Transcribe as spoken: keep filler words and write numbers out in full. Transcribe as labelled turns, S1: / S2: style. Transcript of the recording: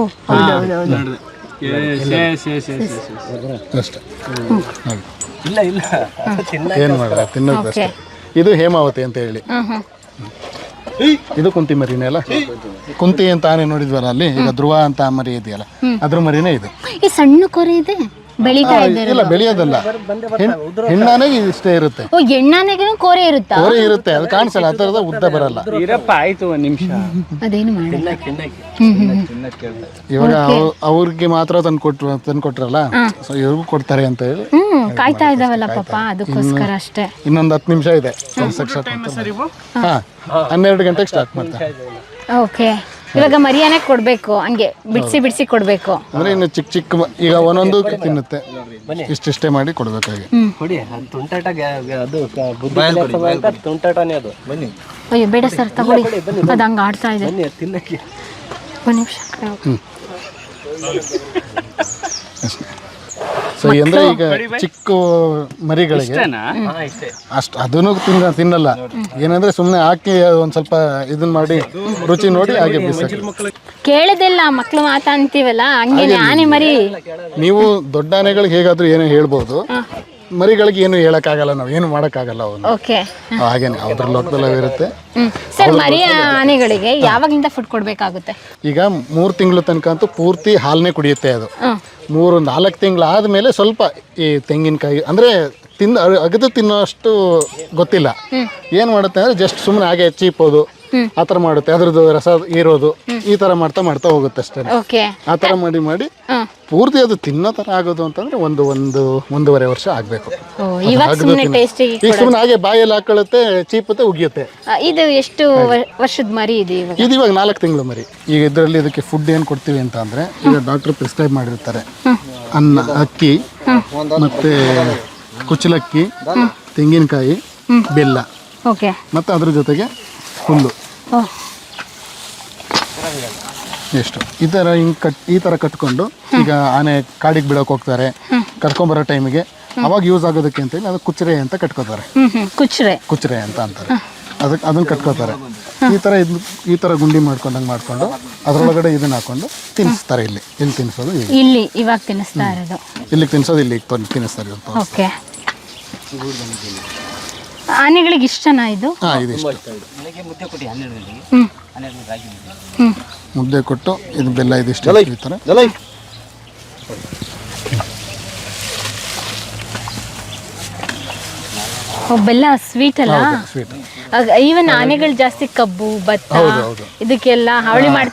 S1: ಹೌದೌದೌದು.
S2: ಅಷ್ಟೇ. ಇಲ್ಲ ಇಲ್ಲ ಏನು ಮಾಡಲ್ಲ ತಿನ್ನೋದಷ್ಟೇ. ಇದು ಹೇಮಾವತಿ ಅಂತ ಹೇಳಿ. ಇದು ಕುಂತಿ ಮರಿನೇ ಅಲ್ಲ. ಕುಂತಿ ಅಂತ ಆನೆ ನೋಡಿದ್ವಲ್ಲ ಅಲ್ಲಿ, ಈಗ ಧ್ರುವ ಅಂತ ಮರಿ ಇದೆಯಲ್ಲ, ಅದ್ರ ಮರಿನೇ ಇದು.
S1: ಈ ಸಣ್ಣ ಕೊರೆ ಇದೆ ಬೆಳೀತಾ ಇದೆ.
S2: ಇಲ್ಲ ಬೆಳೆಯೋದಲ್ಲ, ಹೆಣ್ಣಾನೆಗೆ ಇಷ್ಟೇ ಇರುತ್ತೆ.
S1: ಓ ಹೆಣ್ಣಾನೆಗೂ ಕೋರೆ ಇರುತ್ತಾ?
S2: ಕೋರೆ ಇರುತ್ತೆ, ಅದು ಕಾಣಿಸಲ್ಲ, ಆ ಥರದ ಉದ್ದ ಬರಲ್ಲ.
S3: ಆಯ್ತು ಒಂದ್ ನಿಮಿಷ,
S1: ಅದೇನು ಮಾಡಿ
S2: ಇವಾಗ ಅವ್ರಿಗೆ ಮಾತ್ರ ತಂದು ಕೊಟ್ಟು ತಂದು ಕೊಟ್ರಲ್ಲ, ಸೊ ಇವ್ರಿಗೂ ಕೊಡ್ತಾರೆ ಅಂತ ಹೇಳಿ
S1: ಹ್ಮ್ ಕಾಯ್ತಾ ಇದಾವಲ್ಲ ಪಾಪ, ಅದಕ್ಕೋಸ್ಕರ ಅಷ್ಟೇ.
S2: ಇನ್ನೊಂದು ಹತ್ತು ನಿಮಿಷ ಇದೆ ಹಾ ಹನ್ನೆರಡು ಗಂಟೆಗೆ ಸ್ಟಾರ್ಟ್ ಮಾಡ್ತಾರೆ.
S1: ಓಕೆ, ಇವಾಗ ಮರಿಯಾನೆ ಕೊಡ್ಬೇಕು, ಹಂಗೆ ಬಿಡಿಸಿ ಬಿಡಿಸಿ ಕೊಡ್ಬೇಕು
S2: ಅಂದ್ರೆ ಇನ್ನು ಚಿಕ್ಕ ಚಿಕ್ಕ ಮ- ಈಗ ಒಂದೊಂದು ತಿನ್ನುತ್ತೆ, ಇಷ್ಟಿಷ್ಟೇ ಮಾಡಿ ಕೊಡ್ಬೇಕಾಗಿ.
S3: ತುಂಟಾಟನೇ ಅದು. ಬನ್ನಿ
S1: ಅಯ್ಯೋ ಬೇಡ ಸರ್ ತಗೊಳ್ಳಿ, ಅದು ಹಂಗೆ ಆಡ್ತಾ ಇದೆ.
S3: ತಿನ್ನಕ್ಕೆ
S1: ಒಂದು ನಿಮಿಷ.
S2: ಸೊ ಅಂದ್ರೆ ಈಗ ಚಿಕ್ಕ ಮರಿಗಳಿಗೆ ಅಷ್ಟು ಅದನ್ನು ತಿನ್ನ ತಿನ್ನಲ್ಲ. ಏನಂದ್ರೆ ಸುಮ್ಮನೆ ಹಾಕಿ ಒಂದ್ ಸ್ವಲ್ಪ ಇದನ್ನ ಮಾಡಿ ರುಚಿ ನೋಡಿ ಹಾಗೆ ಬಿಸಾಕಿ.
S1: ಕೇಳದಿಲ್ಲ ಮಕ್ಳು ಮಾತಾ ಅಂತೀವಲ್ಲ, ಹಂಗೇನೆ ಆನೆ ಮರಿ.
S2: ನೀವು ದೊಡ್ಡ ಆನೆಗಳಿಗೆ ಹೇಗಾದ್ರೂ ಏನೋ ಹೇಳ್ಬೋದು, ಮರಿಗಳಿಗೆ ಏನು ಹೇಳಕ್ಕಾಗಲ್ಲ, ನಾವು ಏನು ಮಾಡೋಕ್ಕಾಗಲ್ಲ ಅವನು.
S1: ಓಕೆ,
S2: ಹಾಗೇನೆ ಅದ್ರ ಲೋಕದಲ್ಲ ಇರುತ್ತೆ.
S1: ಸರ್ ಮರಿ ಆನೆಗಳಿಗೆ ಯಾವಾಗಿಂದ ಫುಡ್ ಕೊಡ್ಬೇಕಾಗುತ್ತೆ?
S2: ಈಗ ಮೂರು ತಿಂಗಳು ತನಕ ಅಂತೂ ಪೂರ್ತಿ ಹಾಲನ್ನೇ ಕುಡಿಯುತ್ತೆ ಅದು. ಮೂರು ನಾಲ್ಕು ತಿಂಗಳು ಆದಮೇಲೆ ಸ್ವಲ್ಪ ಈ ತೆಂಗಿನಕಾಯಿ ಅಂದರೆ ತಿಂದು ಅಗದು ತಿನ್ನೋಷ್ಟು ಗೊತ್ತಿಲ್ಲ. ಏನು ಮಾಡುತ್ತೆ ಅಂದರೆ ಜಸ್ಟ್ ಸುಮ್ಮನೆ ಹಾಗೆ ಚೀಪೋದು ಆ ಥರ ಮಾಡುತ್ತೆ, ಅದ್ರದ್ದು ರಸ ಹೀರೋದು ಈ ಥರ ಮಾಡ್ತಾ ಮಾಡ್ತಾ ಹೋಗುತ್ತೆ ಅಷ್ಟೇ.
S1: ಓಕೆ,
S2: ಆ ಥರ ಮಾಡಿ ಮಾಡಿ ಪೂರ್ತಿ ಅದು ತಿನ್ನೋ ಥರ ಆಗೋದು ಅಂತಂದರೆ ಒಂದು ಒಂದು ಒಂದೂವರೆ ವರ್ಷ ಆಗಬೇಕು.
S1: ಇವಾಗ ಸುಮ್ಮನೆ ಟೇಸ್ಟಿಗೆ
S2: ಈಗ ಸುಮ್ಮನೆ ಹಾಗೆ ಬಾಯಲ್ಲಿ ಹಾಕೊಳ್ಳುತ್ತೆ, ಚೀಪುತ್ತೆ, ಉಗಿಯುತ್ತೆ.
S1: ಇದು ಎಷ್ಟು ವರ್ಷದ ಮರಿ ಇದೆ ಇವಾಗ?
S2: ಇದು ಇವಾಗ ನಾಲ್ಕು ತಿಂಗಳು ಮರಿ. ಈಗ ಇದರಲ್ಲಿ ಇದಕ್ಕೆ ಫುಡ್ ಏನು ಕೊಡ್ತೀವಿ ಅಂತ ಅಂದರೆ, ಈಗ ಡಾಕ್ಟರ್ ಪ್ರಿಸ್ಕ್ರೈಬ್ ಮಾಡಿರ್ತಾರೆ. ಅನ್ನ, ಅಕ್ಕಿ, ಮತ್ತು ಕುಚ್ಚಲಕ್ಕಿ, ತೆಂಗಿನಕಾಯಿ, ಬೆಲ್ಲ,
S1: ಓಕೆ,
S2: ಮತ್ತು ಅದ್ರ ಜೊತೆಗೆ ಹುಲ್ಲು. ಎಷ್ಟು ಈ ಥರ ಹಿಂಗೆ ಕಟ್ ಈ ಥರ ಕಟ್ಕೊಂಡು ಈಗ ಆನೆ ಕಾಡಿಗೆ ಬಿಡೋಕೆ ಹೋಗ್ತಾರೆ, ಕರ್ಕೊಂಬರೋ ಟೈಮಿಗೆ ಅವಾಗ ಯೂಸ್ ಆಗೋದಕ್ಕೆ ಅಂತೇಳಿ ಅದು ಕುಚ್ಚರೆ ಅಂತ ಕಟ್ಕೋತಾರೆ.
S1: ಕುಚ್ಚರೆ
S2: ಕುಚ್ಚರೆ ಅಂತ ಅಂತಾರೆ ಅದಕ್ಕೆ, ಅದನ್ನು ಕಟ್ಕೋತಾರೆ. ಈ ಥರ ಇದು ಈ ಥರ ಗುಂಡಿ ಮಾಡ್ಕೊಂಡಂಗೆ ಮಾಡಿಕೊಂಡು ಅದರೊಳಗಡೆ ಇದನ್ನ ಹಾಕೊಂಡು ತಿನ್ನಿಸ್ತಾರೆ. ಇಲ್ಲಿ ಇಲ್ಲಿ ತಿನ್ನಿಸೋದು,
S1: ಇಲ್ಲಿ ಇವಾಗ ತಿನ್ನಿಸ್ತಾ ಇರೋದು.
S2: ಇಲ್ಲಿಗೆ ತಿನ್ನಿಸೋದು, ಇಲ್ಲಿಗೆ ತಿನ್ನಿಸ್ತಾರೆ.
S1: ಓಕೆ, ಆನೆಗಳಿಗೆ ಇಷ್ಟನಾ ಇದು?
S2: ಹಾಂ, ಇದು ಇಷ್ಟು
S1: ಹ್ಮ್ ಹ್ಮ್
S2: ಮುದ್ದೆ ಕೊಟ್ಟು ಇದು ಬೆಲ್ಲ ಇದಿಷ್ಟು ಈ ಥರ.
S1: ಬೆಲ್ಲ ಸ್ವೀಟ್ ಅಲ್ಲ.
S2: ಸ್ವೀಟ್.
S1: ಈವನ್ ಆನೆಗಳು ಜಾಸ್ತಿ ಕಬ್ಬು ಭತ್ತ ಇದಕ್ಕೆಲ್ಲ ಹಾವಳಿ ಮಾಡ್ತಾರೆ.